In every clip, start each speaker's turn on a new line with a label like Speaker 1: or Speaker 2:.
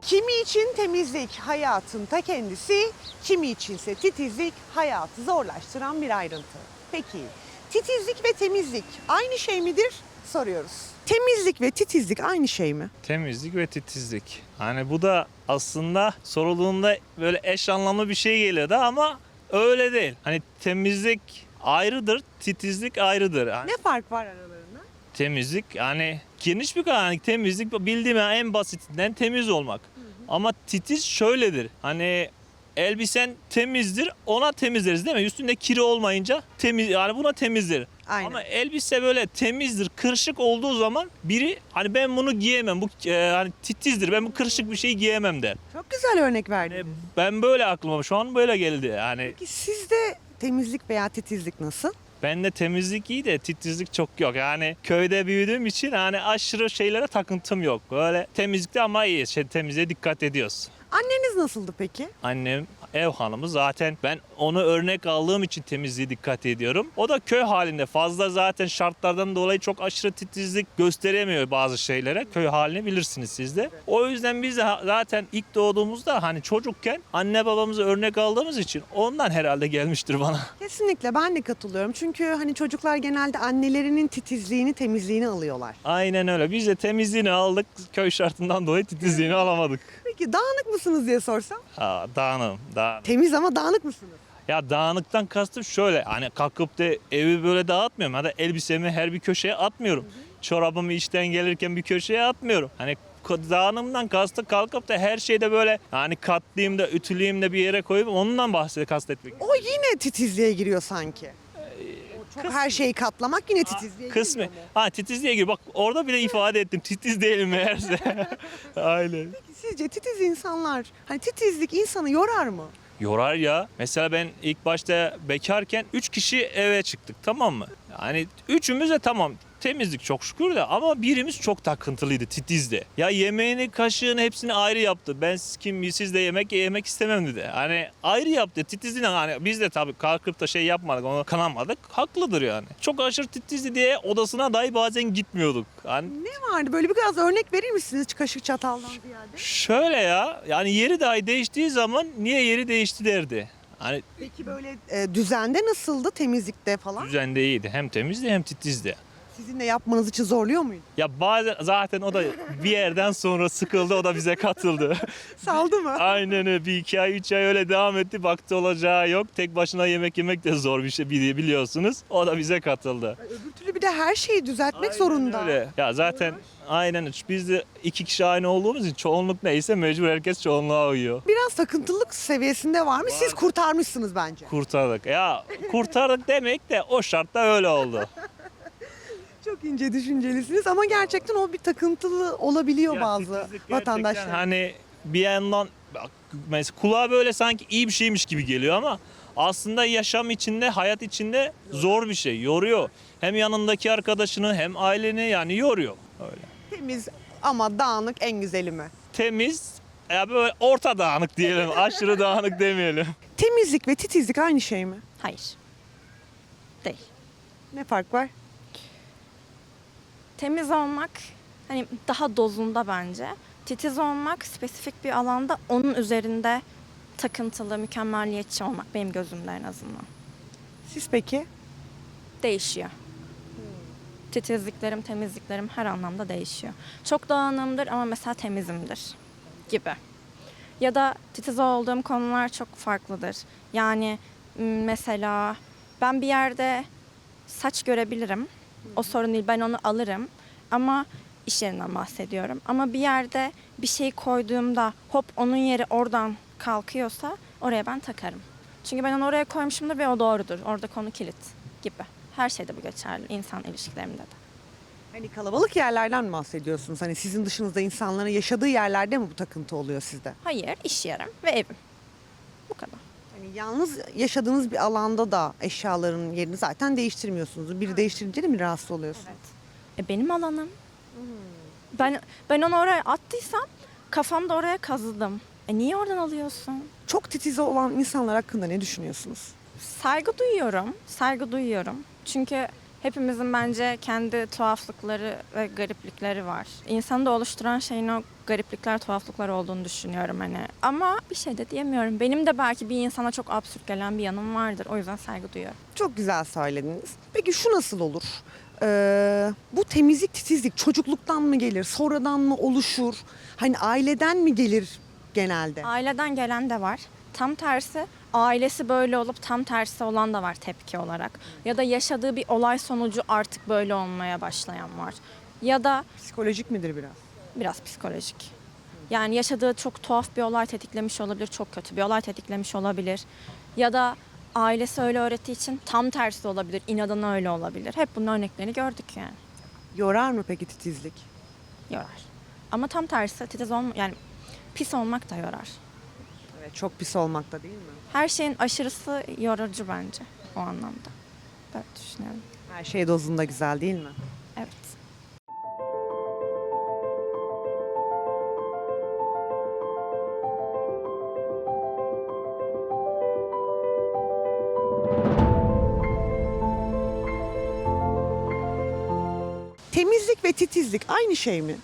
Speaker 1: Kimi için temizlik hayatın ta kendisi, kimi içinse titizlik hayatı zorlaştıran bir ayrıntı. Peki titizlik ve temizlik aynı şey midir? Soruyoruz. Temizlik ve titizlik aynı şey mi?
Speaker 2: Temizlik ve titizlik. Hani bu da aslında sorulduğunda böyle eş anlamlı bir şey geliyor da ama öyle değil. Hani temizlik ayrıdır, titizlik ayrıdır. Hani
Speaker 1: Ne fark var aralarında?
Speaker 2: temizlik hani geniş bir kavram. Hani temizlik bildiğim yani en basitinden temiz olmak. Ama titiz şöyledir. Hani elbisen temizdir, ona temiz deriz değil mi? Üstünde kiri olmayınca temiz, yani buna temizdir.
Speaker 1: Aynen.
Speaker 2: Ama elbise böyle temizdir, kırışık olduğu zaman biri hani ben bunu giyemem, bu hani titizdir, ben bu kırışık bir şeyi giyemem der.
Speaker 1: Çok güzel örnek
Speaker 2: Yani
Speaker 1: verdiniz.
Speaker 2: ben böyle aklıma şu an böyle geldi. Yani
Speaker 1: Peki sizde temizlik veya titizlik nasıl?
Speaker 2: bende temizlik iyi de titizlik çok yok. Yani köyde büyüdüğüm için hani aşırı şeylere takıntım yok. Böyle temizlikte ama iyi, temizliğe dikkat ediyoruz.
Speaker 1: Anneniz nasıldı peki?
Speaker 2: Annem ev hanımı, zaten ben onu örnek aldığım için temizliğe dikkat ediyorum. O da köy halinde, fazla zaten şartlardan dolayı çok aşırı titizlik gösteremiyor bazı şeylere. Köy halini bilirsiniz siz de. O yüzden biz de zaten ilk doğduğumuzda hani çocukken anne babamızı örnek aldığımız için ondan herhalde gelmiştir bana.
Speaker 1: Kesinlikle ben de katılıyorum. Çünkü hani çocuklar genelde annelerinin titizliğini, temizliğini alıyorlar.
Speaker 2: Aynen öyle. Biz de temizliğini aldık. Köy şartından dolayı titizliğini alamadık.
Speaker 1: Peki dağınık mısınız diye sorsam?
Speaker 2: Dağınım.
Speaker 1: Temiz ama dağınık mısınız?
Speaker 2: Ya dağınıktan kastım şöyle, hani kalkıp da evi böyle dağıtmıyorum ya da elbisemi her bir köşeye atmıyorum. Çorabımı işten gelirken bir köşeye atmıyorum. Hani dağınımdan kastı kalkıp da her şeyde böyle hani katlayayım da ütüleyeyim de bir yere koyup ondan kastetmek.
Speaker 1: O yine titizliğe giriyor sanki. O çok her şeyi katlamak yine titizliğe
Speaker 2: Kısmı.
Speaker 1: giriyor mu?
Speaker 2: Ha, titizliğe gir. Bak orada bile ifade ettim. Titiz değilim meğerse. Aynen.
Speaker 1: Peki sizce titiz insanlar, hani titizlik insanı yorar mı?
Speaker 2: Yorar ya. Mesela ben ilk başta bekarken 3 kişi eve çıktık, tamam mı? Yani üçümüz de tamam temizlik çok şükür de ama birimiz çok takıntılıydı, titizdi. Ya yemeğini, kaşığını hepsini ayrı yaptı. Ben siz de yemek istemem dedi. Hani ayrı yaptı titizliğine, hani biz de tabii kalkıp da şey yapmadık, onu kanamadık. Haklıdır yani. Çok aşırı titizdi diye odasına dahi bazen gitmiyorduk. Hani
Speaker 1: Ne vardı? Böyle biraz örnek verir misiniz kaşık çataldan ziyade?
Speaker 2: şöyle ya, yani yeri dahi değiştiği zaman niye yeri değişti derdi. Hani
Speaker 1: Peki böyle düzende nasıldı, temizlikte falan?
Speaker 2: düzende iyiydi. Hem temizdi hem titizdi.
Speaker 1: Sizin de yapmanız için zorluyor muydu?
Speaker 2: Ya bazen zaten o da bir yerden sonra sıkıldı, o da bize katıldı.
Speaker 1: Saldı mı?
Speaker 2: Aynen öyle, bir 2 ay 3 ay öyle devam etti, baktı olacağı yok. Tek başına yemek yemek de zor bir şey biliyorsunuz. O da bize katıldı.
Speaker 1: Öbür türlü bir de her şeyi düzeltmek
Speaker 2: Aynen
Speaker 1: zorunda.
Speaker 2: öyle. Ya zaten aynen, biz de 2 kişi aynı olduğumuz için çoğunluk neyse mecbur herkes çoğunluğa uyuyor.
Speaker 1: Biraz takıntılılık seviyesinde var mı? Siz kurtarmışsınız bence.
Speaker 2: Kurtardık. Ya kurtardık demek de o şartta öyle oldu.
Speaker 1: Çok ince düşüncelisiniz ama gerçekten o bir takıntılı olabiliyor
Speaker 2: Ya
Speaker 1: bazı
Speaker 2: titizlik gerçekten
Speaker 1: vatandaşlar.
Speaker 2: hani bir yandan mesela kulağa böyle sanki iyi bir şeymiş gibi geliyor ama aslında yaşam içinde, hayat içinde zor bir şey. Yoruyor. Hem yanındaki arkadaşını hem aileni, yani yoruyor. Öyle.
Speaker 1: Temiz ama dağınık en güzeli mi?
Speaker 2: Temiz, ya böyle orta dağınık diyelim. Aşırı dağınık demeyelim.
Speaker 1: Temizlik ve titizlik aynı şey mi?
Speaker 3: Hayır. Değil.
Speaker 1: Ne fark var?
Speaker 3: Temiz olmak hani daha dozunda bence. Titiz olmak spesifik bir alanda onun üzerinde takıntılı, mükemmeliyetçi olmak benim gözümde en azından.
Speaker 1: Siz peki?
Speaker 3: Değişiyor. Titizliklerim, temizliklerim her anlamda değişiyor. Çok dağınığımdır ama mesela temizimdir gibi. Ya da titiz olduğum konular çok farklıdır. Yani mesela ben bir yerde saç görebilirim. O sorun değil, ben onu alırım. Ama iş yerinden bahsediyorum. Ama bir yerde bir şey koyduğumda hop onun yeri oradan kalkıyorsa oraya ben takarım. Çünkü ben onu oraya koymuşumdur ve o doğrudur. Orada konu kilit gibi. Her şeyde bu geçerli. İnsan ilişkilerimde de.
Speaker 1: Hani kalabalık yerlerden mi bahsediyorsunuz? Hani sizin dışınızda insanların yaşadığı yerlerde mi bu takıntı oluyor sizde?
Speaker 3: Hayır, iş yerim ve evim. Bu kadar.
Speaker 1: Hani yalnız yaşadığınız bir alanda da eşyaların yerini zaten değiştirmiyorsunuz. Biri değiştirince de mi rahatsız oluyorsunuz?
Speaker 3: Benim alanım. Ben onu oraya attıysam kafamda oraya kazıdım. Niye oradan alıyorsun?
Speaker 1: Çok titiz olan insanlar hakkında ne düşünüyorsunuz?
Speaker 3: Saygı duyuyorum. Saygı duyuyorum. Çünkü Hepimizin bence kendi tuhaflıkları ve gariplikleri var. İnsanı da oluşturan şeyin o gariplikler, tuhaflıklar olduğunu düşünüyorum hani. Ama bir şey de diyemiyorum. Benim de belki bir insana çok absürt gelen bir yanım vardır. O yüzden saygı duyuyorum.
Speaker 1: Çok güzel söylediniz. Peki şu nasıl olur? Bu temizlik, titizlik çocukluktan mı gelir, sonradan mı oluşur? Hani aileden mi gelir genelde?
Speaker 3: Aileden gelen de var. Tam tersi ailesi böyle olup tam tersi olan da var tepki olarak. Ya da yaşadığı bir olay sonucu artık böyle olmaya başlayan var. Ya da
Speaker 1: Psikolojik midir biraz?
Speaker 3: biraz psikolojik. Yani yaşadığı çok tuhaf bir olay tetiklemiş olabilir, çok kötü bir olay tetiklemiş olabilir. Ya da ailesi öyle öğrettiği için tam tersi olabilir, inadına öyle olabilir. Hep bunun örneklerini gördük yani.
Speaker 1: Yorar mı peki titizlik?
Speaker 3: Yorar. Ama tam tersi yani pis olmak da yorar.
Speaker 1: Evet, çok pis olmakta değil mi?
Speaker 3: Her şeyin aşırısı yorucu bence o anlamda. Böyle düşünüyorum.
Speaker 1: Her şey dozunda güzel değil mi?
Speaker 3: Evet.
Speaker 1: Temizlik ve titizlik aynı şey mi?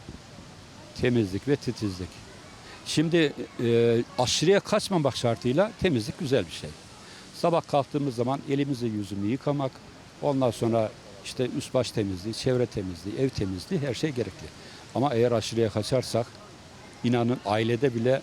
Speaker 4: Temizlik ve titizlik. Şimdi aşırıya kaçmamak şartıyla temizlik güzel bir şey. Sabah kalktığımız zaman elimizi yüzümüzü yıkamak, ondan sonra işte üst baş temizliği, çevre temizliği, ev temizliği her şey gerekli. Ama eğer aşırıya kaçarsak inanın ailede bile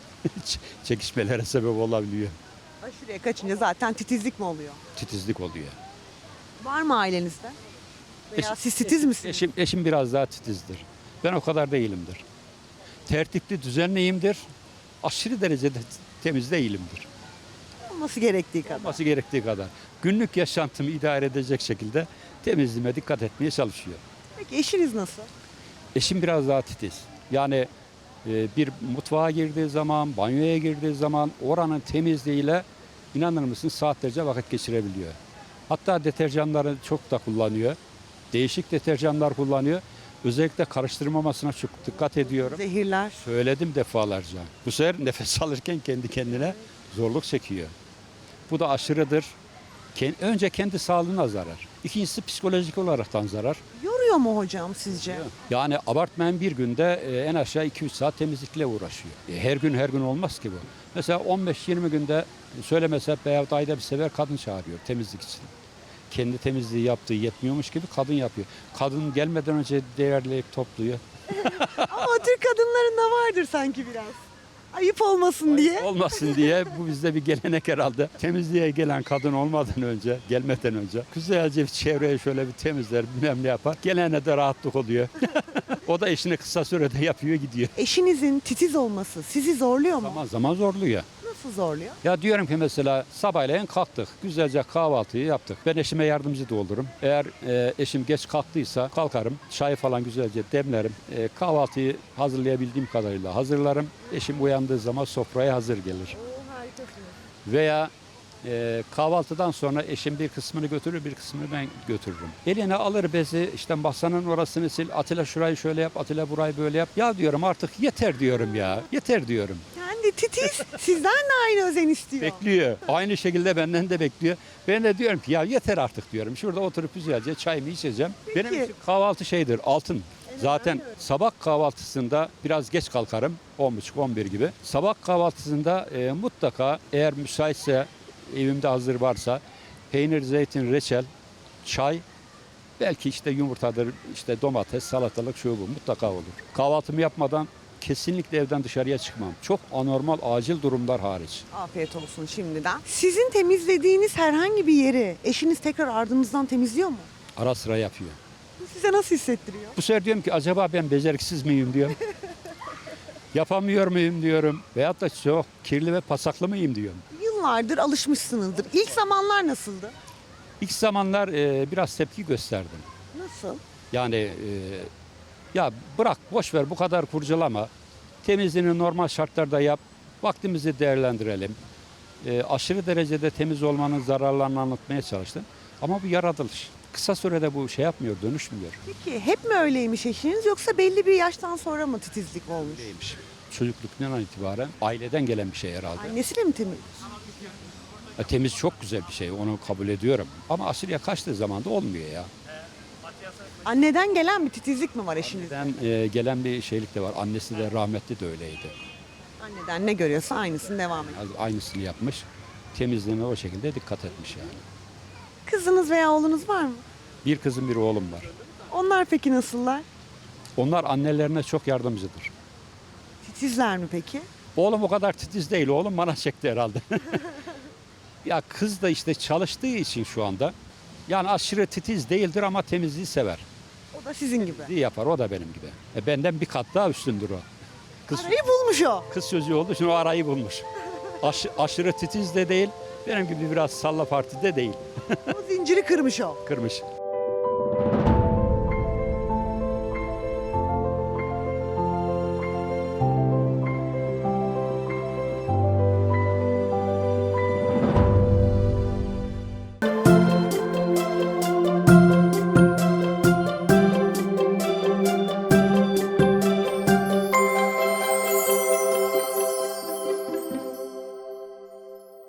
Speaker 4: çekişmelere sebep olabiliyor.
Speaker 1: Aşırıya kaçınca zaten titizlik mi oluyor?
Speaker 4: Titizlik oluyor.
Speaker 1: Var mı ailenizde? Veya siz titiz misiniz?
Speaker 4: Eşim biraz daha titizdir. Ben o kadar değilimdir. Tertipli, düzenliyimdir. Aşırı derecede temiz değilimdir.
Speaker 1: Olması gerektiği kadar.
Speaker 4: Olması gerektiği kadar. Günlük yaşantımı idare edecek şekilde temizliğime dikkat etmeye çalışıyor.
Speaker 1: Peki eşiniz nasıl?
Speaker 4: Eşim biraz daha titiz. Yani bir mutfağa girdiği zaman, banyoya girdiği zaman oranın temizliğiyle inanır mısın saatlerce vakit geçirebiliyor. Hatta deterjanları çok da kullanıyor. Değişik deterjanlar kullanıyor. Özellikle karıştırmamasına çok dikkat ediyorum.
Speaker 1: Zehirler.
Speaker 4: Söyledim defalarca. Bu sefer nefes alırken kendi kendine zorluk çekiyor. Bu da aşırıdır. Önce kendi sağlığına zarar. İkincisi psikolojik olaraktan zarar.
Speaker 1: Yoruyor mu hocam sizce?
Speaker 4: Yani abartmayan bir günde en aşağı 2-3 saat temizlikle uğraşıyor. Her gün olmaz ki bu. Mesela 15-20 günde söylemese veya ayda bir sefer kadın çağırıyor temizlik için. Kendi temizliği yaptığı yetmiyormuş gibi kadın yapıyor. Kadın gelmeden önce değerleyip topluyor.
Speaker 1: Ama Türk kadınlarında vardır sanki biraz. Ayıp olmasın diye.
Speaker 4: Olmasın diye bu bizde bir gelenek herhalde. Temizliğe gelen kadın olmadan önce, gelmeden önce güzelce bir çevreyi şöyle bir temizler, bilmem ne yapar. Gelene de rahatlık oluyor. O da işini kısa sürede yapıyor gidiyor.
Speaker 1: Eşinizin titiz olması sizi zorluyor mu?
Speaker 4: Zaman zaman zorluyor.
Speaker 1: Nasıl zorluyor?
Speaker 4: Ya diyorum ki mesela sabahleyin kalktık. Güzelce kahvaltıyı yaptık. Ben eşime yardımcı da olurum. Eğer eşim geç kalktıysa kalkarım. Çay falan güzelce demlerim. Kahvaltıyı hazırlayabildiğim kadarıyla hazırlarım. Eşim uyandığı zaman sofraya hazır gelir. Veya kahvaltıdan sonra eşim bir kısmını götürür, bir kısmını ben götürürüm. Eline alır bezi, işte masanın orasını sil, Atilla şurayı şöyle yap, Atilla burayı böyle yap. Ya diyorum artık yeter diyorum ya, yeter diyorum.
Speaker 1: Kendi titiz sizden de aynı özen istiyor.
Speaker 4: Bekliyor. Aynı şekilde benden de bekliyor. Ben de diyorum ki ya yeter artık diyorum. Şurada oturup güzelce çayımı içeceğim.
Speaker 1: Peki.
Speaker 4: Benim için kahvaltı şeydir, altın. Zaten sabah kahvaltısında biraz geç kalkarım. 10.30-11 gibi. Sabah kahvaltısında mutlaka eğer müsaitse, evimde hazır varsa peynir, zeytin, reçel, çay, belki işte yumurtadır, işte domates, salatalık şu bu mutlaka olur. Kahvaltımı yapmadan kesinlikle evden dışarıya çıkmam. Çok anormal, acil durumlar hariç.
Speaker 1: Afiyet olsun şimdiden. Sizin temizlediğiniz herhangi bir yeri eşiniz tekrar ardınızdan temizliyor mu?
Speaker 4: Ara sıra yapıyor.
Speaker 1: Bu size nasıl hissettiriyor?
Speaker 4: Bu sefer diyorum ki acaba ben beceriksiz miyim diyorum. Yapamıyor muyum diyorum. Veyahut da çok kirli ve pasaklı mıyım diyorum.
Speaker 1: Yıllardır alışmışsınızdır. İlk zamanlar nasıldı?
Speaker 4: İlk zamanlar biraz tepki gösterdim.
Speaker 1: Nasıl?
Speaker 4: Yani ya bırak boş ver bu kadar kurcalama. Temizliğini normal şartlarda yap. Vaktimizi değerlendirelim. Aşırı derecede temiz olmanın zararlarını anlatmaya çalıştım. Ama bu yaratılış. Kısa sürede bu şey yapmıyor, dönüşmüyor.
Speaker 1: Peki hep mi öyleymiş eşiniz yoksa belli bir yaştan sonra mı titizlik olmuş?
Speaker 4: Değilmiş. Çocukluktan itibaren aileden gelen bir şey herhalde.
Speaker 1: Annesiyle mi temiz?
Speaker 4: Temiz çok güzel bir şey, onu kabul ediyorum. Ama aşırıya kaçtığı zaman da olmuyor ya.
Speaker 1: Anneden gelen bir titizlik mi var eşinizde?
Speaker 4: Gelen bir şeylik de var. Annesi de rahmetli de öyleydi.
Speaker 1: Anneden ne görüyorsa aynısını devam ediyor.
Speaker 4: Aynısını yapmış. Temizliğine o şekilde dikkat etmiş yani.
Speaker 1: Kızınız veya oğlunuz var mı?
Speaker 4: Bir kızım bir oğlum var.
Speaker 1: Onlar peki nasıllar?
Speaker 4: Onlar annelerine çok yardımcıdır.
Speaker 1: Titizler mi peki?
Speaker 4: Oğlum o kadar titiz değil. Oğlum bana çekti herhalde. Ya kız da işte çalıştığı için şu anda. Yani aşırı titiz değildir ama temizliği sever.
Speaker 1: O da sizin gibi.
Speaker 4: İyi yapar, o da benim gibi. Benden bir kat daha üstündür o. Kız,
Speaker 1: Arayı bulmuş o.
Speaker 4: kız çocuğu olduğu için o arayı bulmuş. Aşırı titiz de değil, benim gibi biraz salla partide değil.
Speaker 1: O zinciri kırmış o.
Speaker 4: Kırmış.